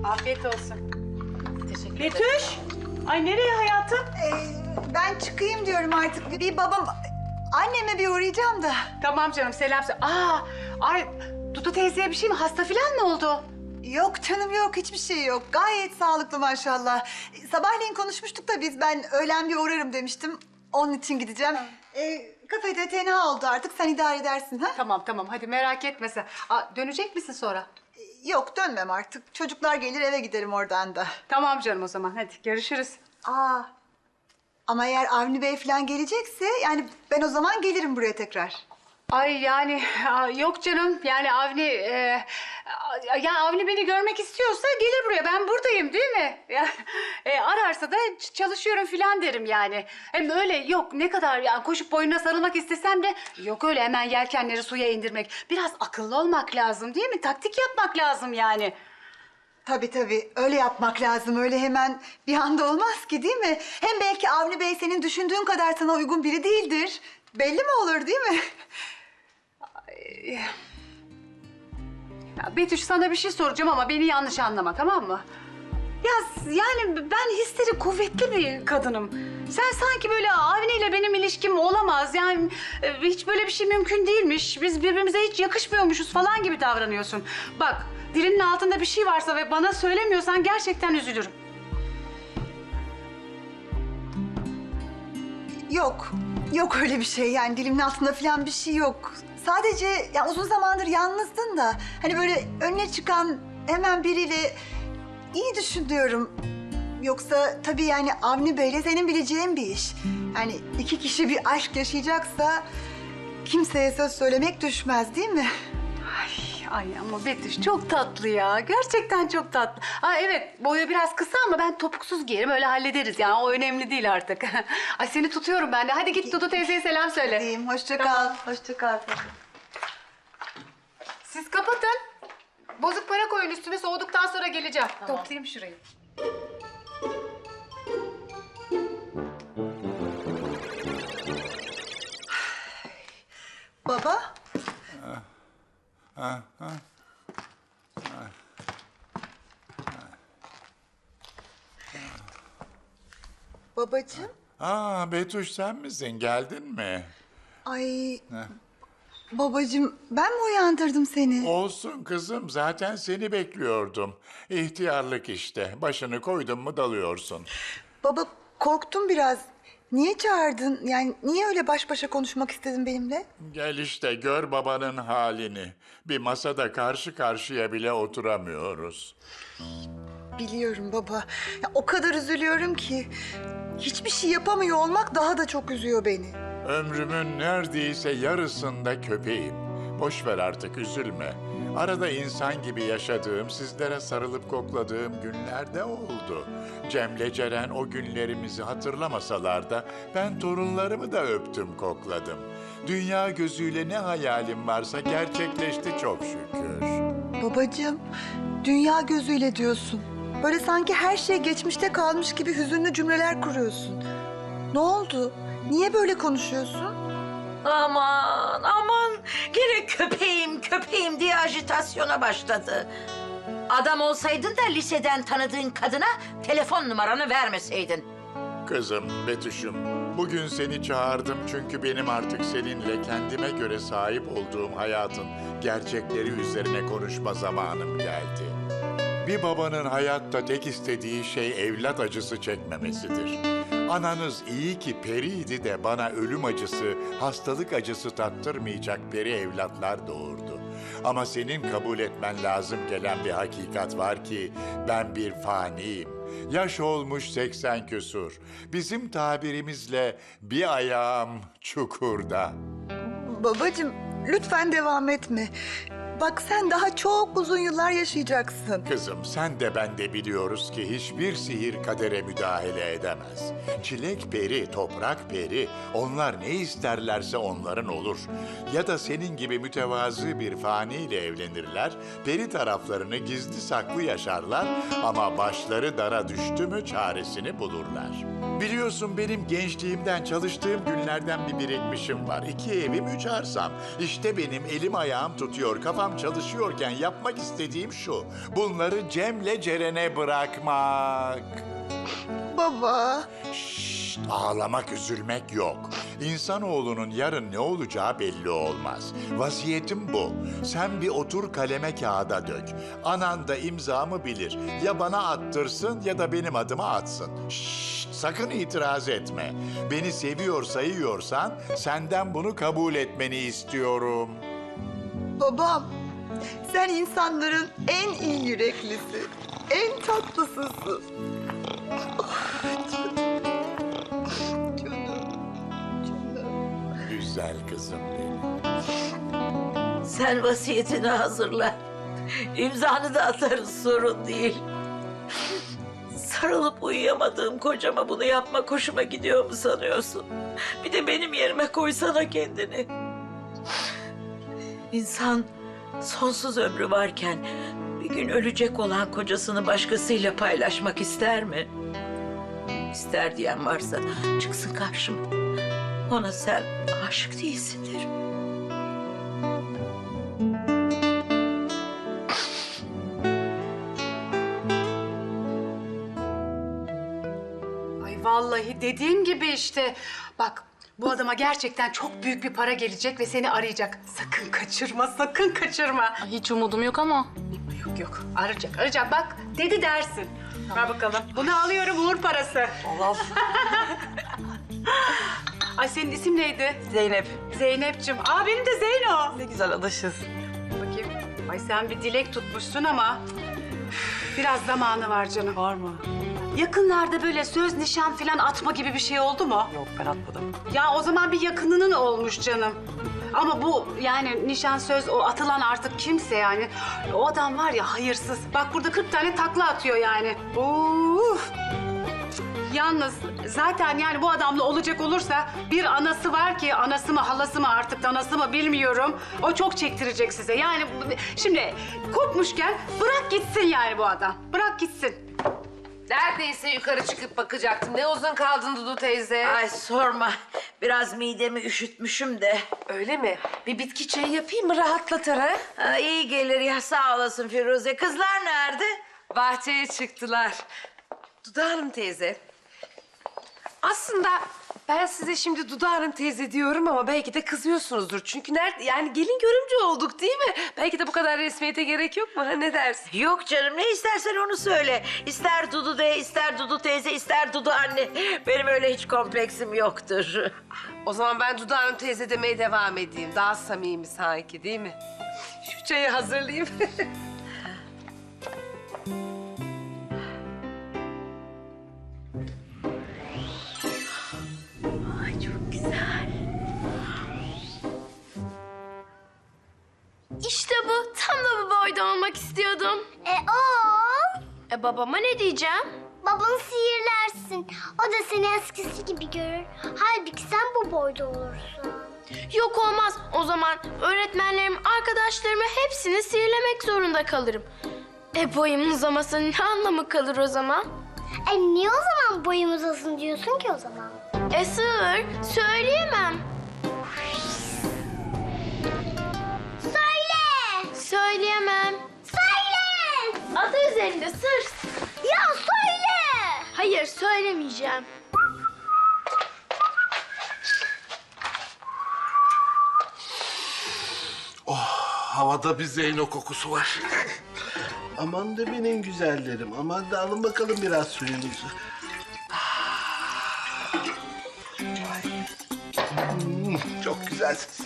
Afiyet olsun. Teşekkür ederim. Betüş. Ay nereye hayatım? Ben çıkayım diyorum artık. Bir babam... Anneme bir uğrayacağım da. Tamam canım selam söyle. Ay Dudu teyzeye bir şey mi? Hasta falan mı oldu? Yok canım yok, hiçbir şey yok. Gayet sağlıklı maşallah. Sabahleyin konuşmuştuk da biz, ben öğlen bir uğrarım demiştim. Onun için gideceğim. Kafede tenha oldu artık, sen idare edersin ha? Tamam hadi merak etme sen. Dönecek misin sonra? Yok, dönmem artık. Çocuklar gelir, eve giderim oradan da. Tamam canım o zaman hadi görüşürüz. Ama eğer Avni Bey falan gelecekse, yani ben o zaman gelirim buraya tekrar. Ay yani yok canım yani Avni ya Avni beni görmek istiyorsa gelir buraya, ben buradayım değil mi? Ya, ararsa da çalışıyorum filan derim yani. Hem öyle yok, ne kadar yani koşup boynuna sarılmak istesem de yok öyle hemen yelkenleri suya indirmek. Biraz akıllı olmak lazım değil mi? Taktik yapmak lazım yani. Tabii öyle yapmak lazım. Öyle hemen bir anda olmaz ki, değil mi? Hem belki Avni Bey senin düşündüğün kadar sana uygun biri değildir. Belli mi olur, değil mi? Ya Betüş, sana bir şey soracağım ama beni yanlış anlama, tamam mı? Ya yani ben hissleri kuvvetli bir kadınım. Sen sanki böyle Avni ile benim ilişkim olamaz. Yani hiç böyle bir şey mümkün değilmiş. Biz birbirimize hiç yakışmıyormuşuz falan gibi davranıyorsun. Bak, dilinin altında bir şey varsa ve bana söylemiyorsan gerçekten üzülürüm. Yok öyle bir şey, yani dilimin altında falan bir şey yok. Sadece ya uzun zamandır yalnızdın da hani böyle önüne çıkan hemen biriyle iyi düşün diyorum. Yoksa tabii yani Avni Bey'le senin bileceğin bir iş. Yani iki kişi bir aşk yaşayacaksa kimseye söz söylemek düşmez, değil mi? Ay ama Betüş çok tatlı ya. Gerçekten çok tatlı. Evet, boyu biraz kısa ama ben topuksuz giyerim, öyle hallederiz yani. O önemli değil artık. Ay seni tutuyorum ben de. Hadi git Dudu teyzeye selam söyle. Diyeyim, hoşça kal. Hoşça kal. Siz kapatın. Bozuk para koyun üstüne, soğuduktan sonra geleceğim. Toplayayım şurayı. Baba. Babacığım. Betüş sen misin? Geldin mi? Ay. Babacığım, ben mi uyandırdım seni? Olsun kızım, zaten seni bekliyordum. İhtiyarlık işte. Başını koydun mu dalıyorsun. Baba, korktum biraz. Niye çağırdın? Yani niye öyle baş başa konuşmak istedin benimle? Gel işte gör babanın halini. Bir masada karşı karşıya bile oturamıyoruz. Biliyorum baba. Ya, o kadar üzülüyorum ki. Hiçbir şey yapamıyor olmak daha da çok üzüyor beni. Ömrümün neredeyse yarısında köpeğim. Boş ver artık, üzülme. Arada insan gibi yaşadığım, sizlere sarılıp kokladığım günlerde oldu. Cem'le Ceren o günlerimizi hatırlamasalar da ben torunlarımı da öptüm, kokladım. Dünya gözüyle ne hayalim varsa gerçekleşti çok şükür. Babacığım, dünya gözüyle diyorsun. Böyle sanki her şey geçmişte kalmış gibi hüzünlü cümleler kuruyorsun. Ne oldu? Niye böyle konuşuyorsun? Aman gene köpeğim diye ajitasyona başladı. Adam olsaydın da liseden tanıdığın kadına telefon numaranı vermeseydin. Kızım, Betüş'üm, bugün seni çağırdım çünkü benim artık seninle kendime göre sahip olduğum hayatın gerçekleri üzerine konuşma zamanım geldi. Bir babanın hayatta tek istediği şey evlat acısı çekmemesidir. Ananız iyi ki periydi de bana ölüm acısı, hastalık acısı tattırmayacak peri evlatlar doğurdu. Ama senin kabul etmen lazım gelen bir hakikat var ki ben bir faniyim. Yaş olmuş 80 küsur. Bizim tabirimizle bir ayağım çukurda. Babacığım, lütfen devam etme. Bak, sen daha çok uzun yıllar yaşayacaksın. Kızım, sen de ben de biliyoruz ki hiçbir sihir kadere müdahale edemez. Çilek peri, toprak peri, onlar ne isterlerse onların olur. Ya da senin gibi mütevazı bir faniyle evlenirler, peri taraflarını gizli saklı yaşarlar ama başları dara düştü mü çaresini bulurlar. Biliyorsun benim gençliğimden çalıştığım günlerden bir birikmişim var. 2 evim 3 arsam. İşte benim elim ayağım tutuyor, kafam kafam çalışıyorken yapmak istediğim şu. Bunları Cem'le Ceren'e bırakmak. Baba. Şşt, ağlamak, üzülmek yok. İnsanoğlunun yarın ne olacağı belli olmaz. Vasiyetim bu. Sen bir otur kaleme kağıda dök. Anan da imzamı bilir. Ya bana attırsın ya da benim adıma atsın. Şşt, sakın itiraz etme. Beni seviyor sayıyorsan senden bunu kabul etmeni istiyorum. Babam, sen insanların en iyi yüreklisi, en tatlısısın. Güzel kızım benim. Sen vasiyetini hazırla. İmzanı da atarız, sorun değil. Sarılıp uyuyamadığım kocama bunu yapmak hoşuma gidiyor mu sanıyorsun? Bir de benim yerime koysana kendini. İnsan sonsuz ömrü varken bir gün ölecek olan kocasını başkasıyla paylaşmak ister mi? İster diyen varsa çıksın karşıma. Ona sen aşık değilsin derim. Ay vallahi dediğim gibi işte. Bak bu adama gerçekten çok büyük bir para gelecek ve seni arayacak. Sakın kaçırma, sakın kaçırma. Hiç umudum yok ama. Yok yok, arayacak. Bak dedi dersin. Ver bakalım. Bunu alıyorum, uğur parası. Allah. Ay senin isim neydi? Zeynep. Zeynep'ciğim. Aa benim de Zeyno. Ne güzel adaşız. Bakayım. Ay sen bir dilek tutmuşsun ama üf, biraz zamanı var canım. Var mı? Yakınlarda böyle söz nişan falan atma gibi bir şey oldu mu? Yok, ben atmadım. Ya o zaman bir yakınının olmuş canım. Ama bu yani nişan söz o atılan artık kimse yani. O adam var ya hayırsız. Bak burada 40 tane takla atıyor yani. Uf. Yalnız zaten yani bu adamla olacak olursa bir anası var ki anası mı halası mı artık danası mı bilmiyorum. O çok çektirecek size. Yani şimdi kopmuşken bırak gitsin yani bu adam. Bırak gitsin. Neredeyse yukarı çıkıp bakacaktım. Ne uzun kaldın Dudu teyze. Ay sorma. Biraz midemi üşütmüşüm de. Öyle mi? Bir bitki çayı yapayım mı rahatlatır ha? Ha, iyi gelir ya, sağ olasın Firuze. Kızlar nerede? Bahçeye çıktılar. Dudu Hanım teyze. Aslında ben size şimdi Dudu Hanım teyze diyorum ama belki de kızıyorsunuzdur. Çünkü nerede yani gelin görümce olduk değil mi? Belki de bu kadar resmiyete gerek yok mu? Ha, ne dersin? Yok canım, ne istersen onu söyle. İster Dudu de, ister Dudu teyze, ister Dudu anne. Benim öyle hiç kompleksim yoktur. O zaman ben Dudu Hanım teyze demeye devam edeyim. Daha samimi sanki değil mi? Şu çayı hazırlayayım. İşte bu. Tam da bu boyda olmak istiyordum. Babama ne diyeceğim? Babanı sihirlersin. O da seni eskisi gibi görür. Halbuki sen bu boyda olursun. Yok olmaz. O zaman öğretmenlerim, arkadaşlarımı hepsini sihirlemek zorunda kalırım. Boyum uzamasının ne anlamı kalır o zaman? Niye o zaman boyum uzasın diyorsun ki o zaman? Sığır, söyleyemem. Söyle! Söyleyemem. Söyle! Adı üzerinde sır. Ya söyle! Hayır, söylemeyeceğim. Havada bir Zeyno kokusu var. Aman da benim güzellerim. Aman da alın bakalım biraz suyunuzu. Çok güzelsiniz.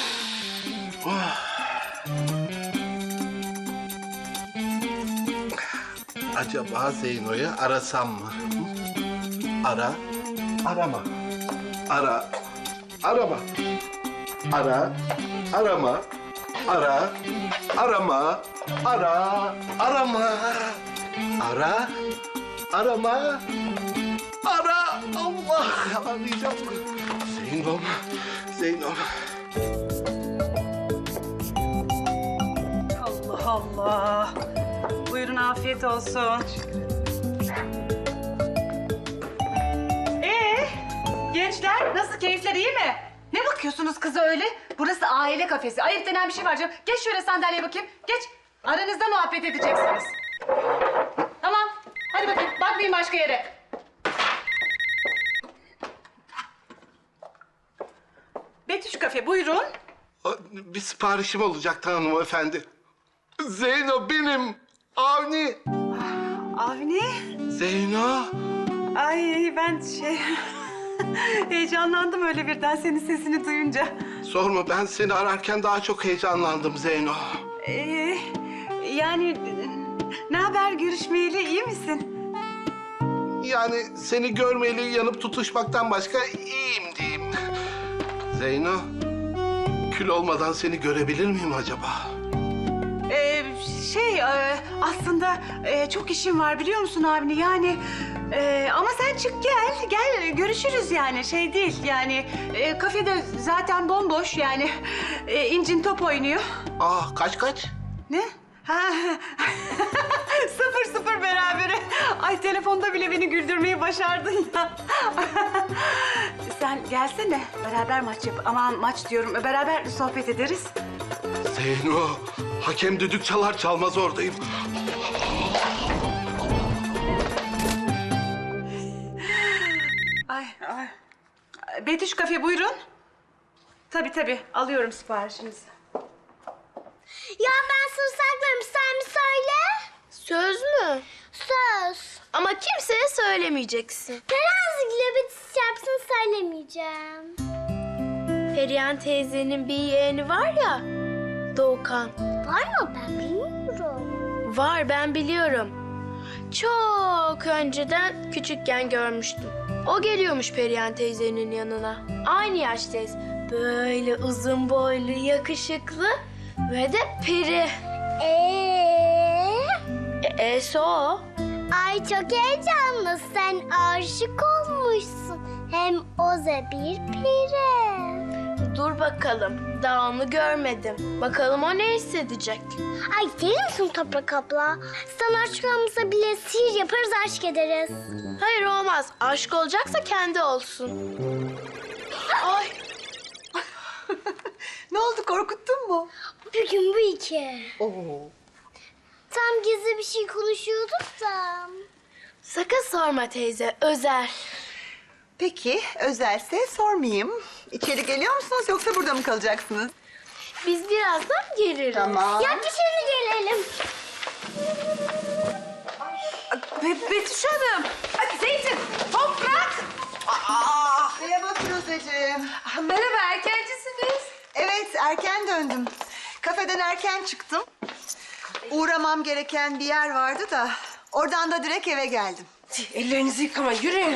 Acaba Zeyno'yu arasam mı? Ara, arama. Ara, arama. Ara, arama. Ara, arama. Ara, arama. Ara, arama. Ara, Allah, arayacağım. Zeynom, Zeynom. Allah Allah. Buyurun afiyet olsun. Gençler nasıl keyifler iyi mi? Ne bakıyorsunuz kıza öyle? Burası aile kafesi. Ayıp denen bir şey var canım. Geç şöyle sandalyeye bakayım. Geç. Aranızda muhabbet edeceksiniz. Tamam. Hadi bakayım. Bakmayın başka yere. Betüş Kafe, buyurun. Bir siparişim olacaktı hanımefendi. Zeyno benim. Avni. Avni. Zeyno. Ay ben heyecanlandım öyle birden senin sesini duyunca. Sorma, ben seni ararken daha çok heyecanlandım Zeyno. Yani ne haber görüşmeyeli, iyi misin? Yani seni görmeyeli yanıp tutuşmaktan başka iyiyim diyeyim. Zeyno, kül olmadan seni görebilir miyim acaba? Aslında çok işim var biliyor musun Avni? Yani ama sen çık gel görüşürüz yani şey değil yani kafede zaten bomboş yani İncin top oynuyor. Kaç? Ne? Ha 0-0 berabere. Ay telefonda bile beni güldürmeyi başardın ya. Sen gelsene beraber maç yap. Aman maç diyorum beraber sohbet ederiz. Zeyno, hakem düdük çalar çalmaz oradayım. Ay. Betüş Kafe buyurun. Tabii alıyorum siparişinizi. Ya ben söz saklarım, sen mi söyle? Söz mü? Söz. Ama kimseye söylemeyeceksin. Terazigile bitiş yapsın söylemeyeceğim. Perihan teyzenin bir yeğeni var ya, Doğukan. Var mı, ben bilmiyorum. Var, ben biliyorum. Çok önceden küçükken görmüştüm. O geliyormuş Perihan teyzenin yanına. Aynı yaştayız. Böyle uzun boylu, yakışıklı ve de peri. E'si o. Ay çok heyecanlı, sen aşık olmuşsun. Hem o da bir peri. Dur bakalım, daha onu görmedim. Bakalım o ne hissedecek. Ay deli misin Toprak abla? Sen aşk olmasa bile sihir yaparız, aşk ederiz. Hayır olmaz. Aşk olacaksa kendi olsun. Ay. Ne oldu, korkuttun mu? Bugün bu iki. Tam gizli bir şey konuşuyorduk da. Sakın sorma teyze, özel. Peki, özelse sormayayım. İçeri geliyor musunuz yoksa burada mı kalacaksınız? Biz birazdan geliriz. Tamam. Ya dışarı gelelim. Betüş Hanım. Zeytin, toprak. Merhaba Firuzeciğim. Merhaba, erkencisiniz. Evet, erken döndüm. Kafeden erken çıktım. Uğramam gereken bir yer vardı da oradan da direkt eve geldim. Ellerinizi yıkama, yürüyün.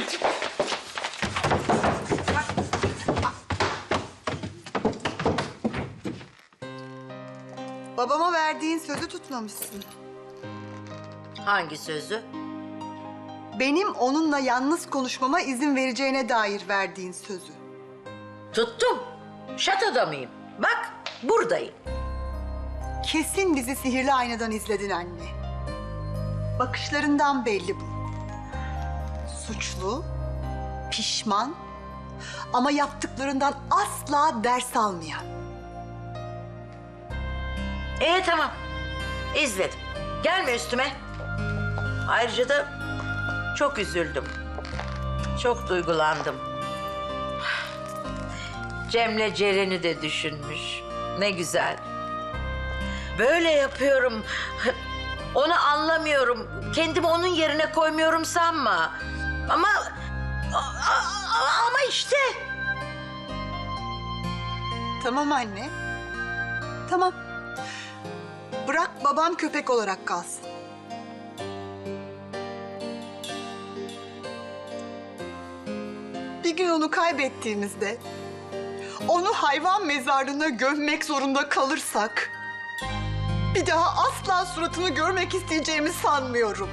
Babama verdiğin sözü tutmamışsın. Hangi sözü? Benim onunla yalnız konuşmama izin vereceğine dair verdiğin sözü. Tuttum. Şatoda mıyım? Bak, buradayım. Kesin bizi sihirli aynadan izledin anne. Bakışlarından belli bu. Suçlu, pişman ama yaptıklarından asla ders almayan. Tamam. İzledim. Gelme üstüme. Ayrıca da çok üzüldüm. Çok duygulandım. Cem'le Ceren'i de düşünmüş. Ne güzel. Böyle yapıyorum. Onu anlamıyorum. Kendimi onun yerine koymuyorum sanma. Ama işte. Tamam anne. Tamam. Bırak babam köpek olarak kalsın. Bir gün onu kaybettiğimizde, onu hayvan mezarlığına gömmek zorunda kalırsak, bir daha asla suratını görmek isteyeceğimi sanmıyorum.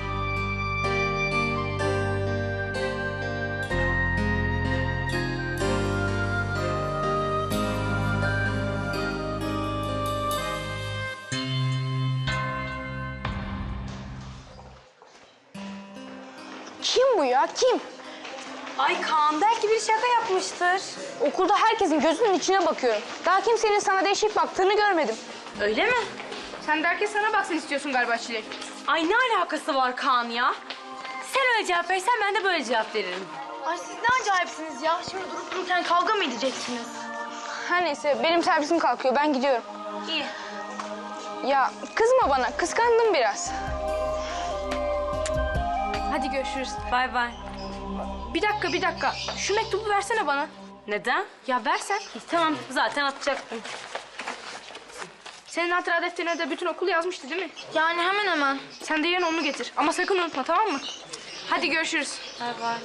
Kim bu ya, kim? Ay Kaan belki bir şaka yapmıştır. Okulda herkesin gözünün içine bakıyorum. Daha kimsenin sana değişik baktığını görmedim. Öyle mi? Sen de herkes sana baksın istiyorsun galiba Çilek. Ay ne alakası var Kaan ya? Sen öyle cevap verirsen ben de böyle cevap veririm. Ay siz ne acayipsiniz ya. Şimdi durup dururken kavga mı edeceksiniz? Her neyse benim servisim kalkıyor. Ben gidiyorum. İyi. Ya kızma bana. Kıskandım biraz. Hadi görüşürüz. Bay bay. Bir dakika. Şu mektubu versene bana. Neden? Ya versen. Tamam zaten atacaktım. Senin hatıra defterine de bütün okul yazmıştı değil mi? Yani hemen hemen. Sen de yarın onu getir. Ama sakın unutma, tamam mı? Hadi görüşürüz. Bay bay.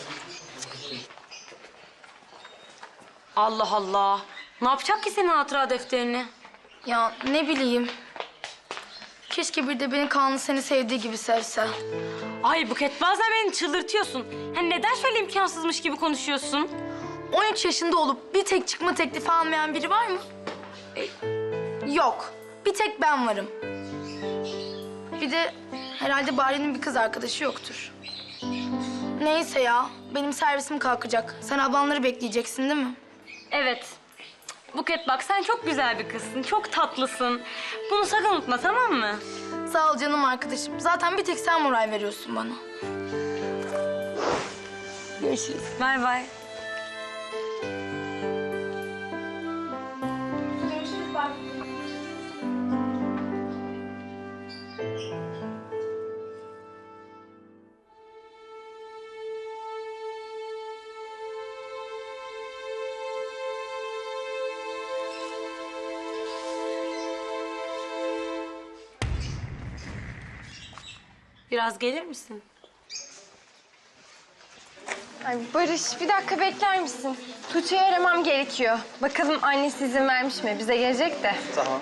Allah Allah. Ne yapacak ki senin hatıra defterini? Ya ne bileyim. Keşke bir de beni Kaan'ın seni sevdiği gibi sevse. Ay Buket bazen beni çıldırtıyorsun. Hani neden şöyle imkansızmış gibi konuşuyorsun? 13 yaşında olup bir tek çıkma teklifi almayan biri var mı? Yok. Bir tek ben varım. Bir de herhalde Bari'nin bir kız arkadaşı yoktur. Neyse ya. Benim servisim kalkacak. Sen ablanları bekleyeceksin değil mi? Evet. Buket bak sen çok güzel bir kızsın. Çok tatlısın. Bunu sakın unutma tamam mı? Sağ ol canım arkadaşım. Zaten bir tek sen moral veriyorsun bana. Görüşürüz. Bay bay. Biraz gelir misin? Ay Barış bir dakika bekler misin? Tuğçe'yi aramam gerekiyor. Bakalım annesi izin vermiş mi? Bize gelecek de. Tamam.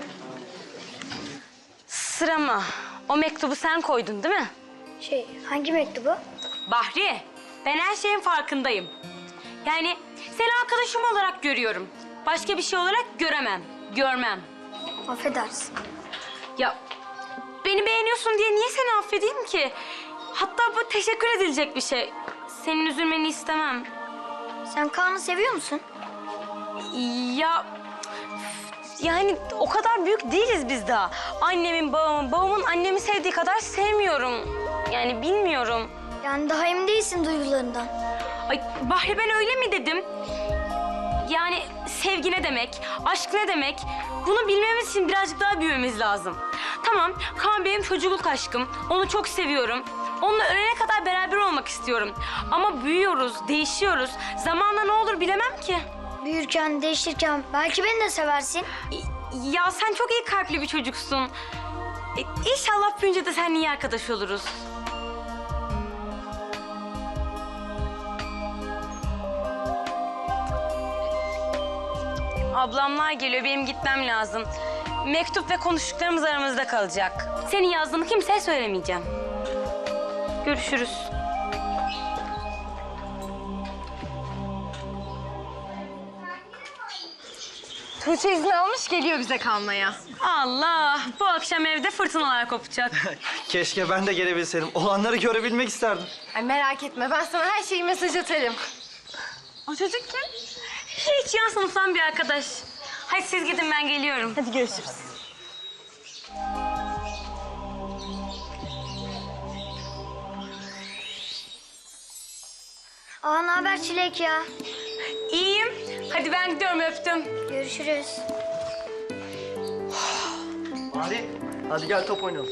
Sırama. O mektubu sen koydun değil mi? Hangi mektubu? Bahri, ben her şeyin farkındayım. Yani seni arkadaşım olarak görüyorum. Başka bir şey olarak görmem. Affedersin. Ya beni beğeniyorsun diye niye seni affedeyim ki? Hatta bu teşekkür edilecek bir şey. Senin üzülmeni istemem. Sen Kaan'ı seviyor musun? Ya yani o kadar büyük değiliz biz daha. Annemin, babamın annemi sevdiği kadar sevmiyorum. Yani bilmiyorum. Yani daha emin değilsin duygularından. Ay Bahri ben öyle mi dedim? Yani sevgi ne demek, aşk ne demek? Bunu bilmemiz için birazcık daha büyümemiz lazım. Tamam, Kaan benim çocukluk aşkım. Onu çok seviyorum. Onunla ölene kadar beraber olmak istiyorum. Ama büyüyoruz, değişiyoruz. Zamanla ne olur bilemem ki. Büyürken, değişirken belki beni de seversin. Ya sen çok iyi kalpli bir çocuksun. İnşallah büyünce de seninle iyi arkadaş oluruz. Ablamlar geliyor, benim gitmem lazım. Mektup ve konuştuklarımız aramızda kalacak. Senin yazdığını kimseye söylemeyeceğim. Görüşürüz. Tuğçe izin almış geliyor bize kalmaya. Allah, bu akşam evde fırtınalar kopacak. Keşke ben de gelebilseydim. Olanları görebilmek isterdim. Ay merak etme ben sana her şeyi mesaj atarım. O çocuk kim? Hiç yan sınıftan bir arkadaş. Hadi siz gidin ben geliyorum. Hadi görüşürüz. Ne haber Çilek ya? İyiyim. Hadi ben gidiyorum öptüm. Görüşürüz. Hadi gel top oynayalım.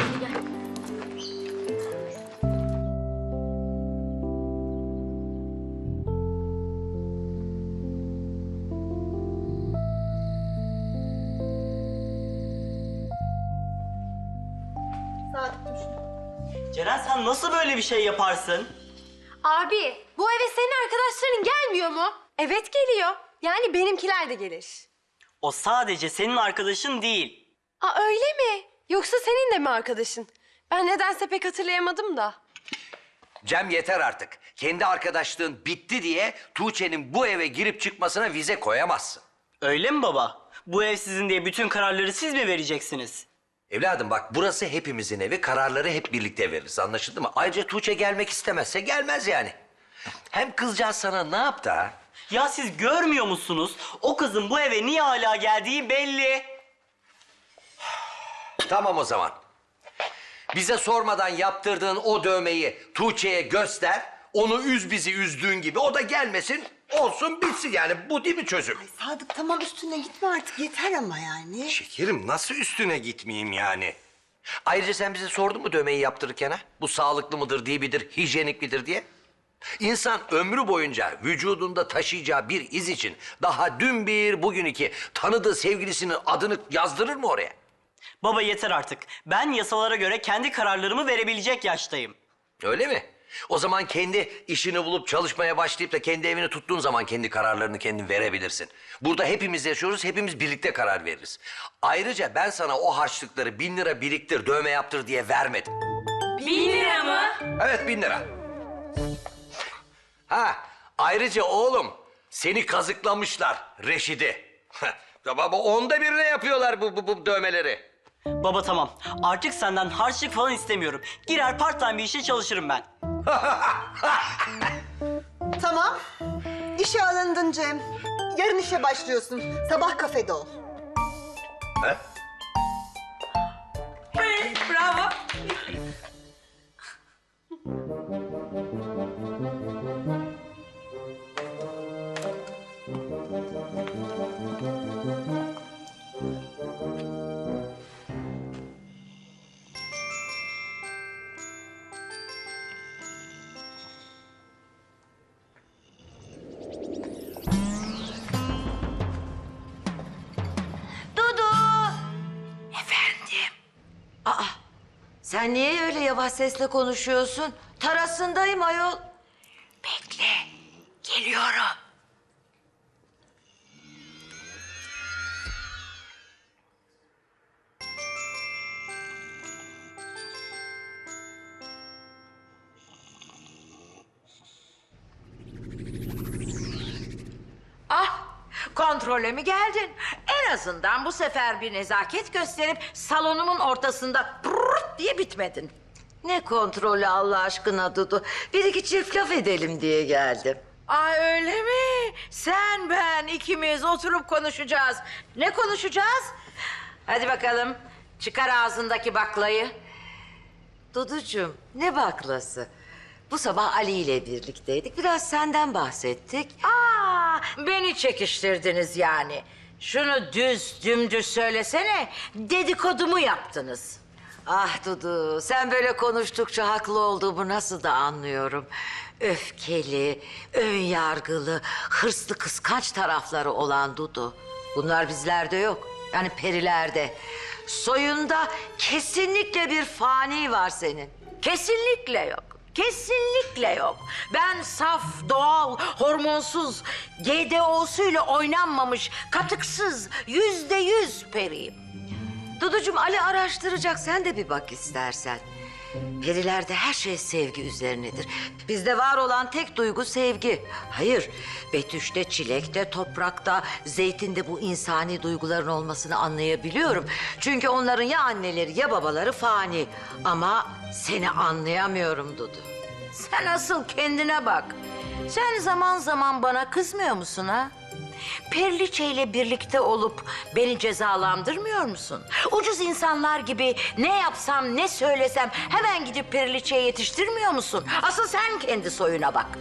Ceren sen nasıl böyle bir şey yaparsın? Abi bu eve senin arkadaşların gelmiyor mu? Evet geliyor. Yani benimkiler de gelir. O sadece senin arkadaşın değil. Öyle mi? Yoksa senin de mi arkadaşın? Ben nedense pek hatırlayamadım da. Cem yeter artık. Kendi arkadaşlığın bitti diye Tuğçe'nin bu eve girip çıkmasına vize koyamazsın. Öyle mi baba? Bu ev sizin diye bütün kararları siz mi vereceksiniz? Evladım bak burası hepimizin evi. Kararları hep birlikte veririz. Anlaşıldı mı? Ayrıca Tuğçe gelmek istemezse gelmez yani. Hem kızcağız sana ne yaptı ha? Ya siz görmüyor musunuz? O kızın bu eve niye hala geldiği belli. Tamam o zaman. Bize sormadan yaptırdığın o dövmeyi Tuğçe'ye göster. Onu üz bizi üzdüğün gibi. O da gelmesin, olsun bitsin yani. Bu değil mi çözüm? Ay Sadık tamam üstüne gitme artık yeter ama yani. Şekerim nasıl üstüne gitmeyeyim yani? Ayrıca sen bize sordun mu dövmeyi yaptırırken ha? Bu sağlıklı mıdır, değil midir, hijyenik midir diye? İnsan ömrü boyunca vücudunda taşıyacağı bir iz için daha dün bir, bugün iki tanıdığı sevgilisinin adını yazdırır mı oraya? Baba yeter artık. Ben yasalara göre kendi kararlarımı verebilecek yaştayım. Öyle mi? O zaman kendi işini bulup çalışmaya başlayıp da kendi evini tuttuğun zaman kendi kararlarını kendin verebilirsin. Burada hepimiz yaşıyoruz, hepimiz birlikte karar veririz. Ayrıca ben sana o harçlıkları 1000 lira biriktir, dövme yaptır diye vermedim. 1000 lira mı? Evet 1000 lira. Ha, ayrıca oğlum seni kazıklamışlar Reşid'i. Baba 1/10 yapıyorlar bu dövmeleri. Baba tamam. Artık senden harçlık falan istemiyorum. Girer part time bir işe çalışırım ben. Tamam. İşe alındın Cem. Yarın işe başlıyorsun. Sabah kafede ol. He? Bravo. Sen niye öyle yavaş sesle konuşuyorsun? Tarasındayım ayol. Bekle, geliyorum. Ah, kontrole mi geldin? En azından bu sefer bir nezaket gösterip salonumun ortasında brrrt diye bitmedin. Ne kontrolü Allah aşkına Dudu? Bir iki çift laf edelim diye geldim. Ay öyle mi? Sen ben ikimiz oturup konuşacağız. Ne konuşacağız? Hadi bakalım çıkar ağzındaki baklayı. Duducuğum ne baklası? Bu sabah Ali ile birlikteydik. Biraz senden bahsettik. Aa, beni çekiştirdiniz yani. Şunu dümdüz söylesene. Dedikodumu yaptınız. Ah Dudu, sen böyle konuştukça haklı olduğumu nasıl da anlıyorum. Öfkeli, önyargılı, hırslı, kıskanç tarafları olan Dudu. Bunlar bizlerde yok. Yani perilerde. Soyunda kesinlikle bir fani var senin. Kesinlikle yok. Kesinlikle yok. Ben saf, doğal, hormonsuz, GDO'suyla oynanmamış, katıksız, %100 periyim. Duducuğum Ali araştıracak, sen de bir bak istersen. Perilerde her şey sevgi üzerinedir. Bizde var olan tek duygu sevgi. Hayır, betüşte, çilekte, toprakta, zeytinde bu insani duyguların olmasını anlayabiliyorum. Çünkü onların ya anneleri ya babaları fani. Ama seni anlayamıyorum Dudu. Sen asıl kendine bak. Sen zaman zaman bana kızmıyor musun ha? Periliçe ile birlikte olup beni cezalandırmıyor musun? Ucuz insanlar gibi ne yapsam ne söylesem hemen gidip Periliçe'ye yetiştirmiyor musun? Asıl sen kendi soyuna bak.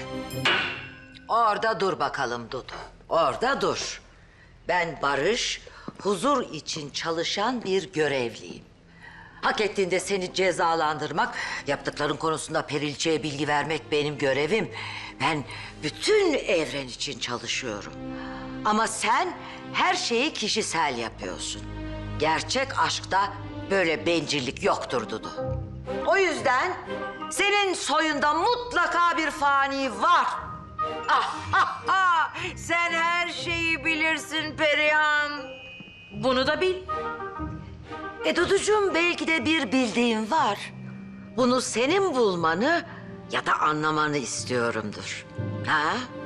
Orada dur bakalım Dudu. Orada dur. Ben barış, huzur için çalışan bir görevliyim. Hak ettiğinde seni cezalandırmak, yaptıkların konusunda Periliçe'ye bilgi vermek benim görevim. Ben bütün evren için çalışıyorum. Ama sen her şeyi kişisel yapıyorsun. Gerçek aşkta böyle bencillik yoktur Dudu. O yüzden senin soyunda mutlaka bir fani var. Sen her şeyi bilirsin Perihan. Bunu da bil. Duducuğum belki de bir bildiğin var. Bunu senin bulmanı ya da anlamanı istiyorumdur. Ha?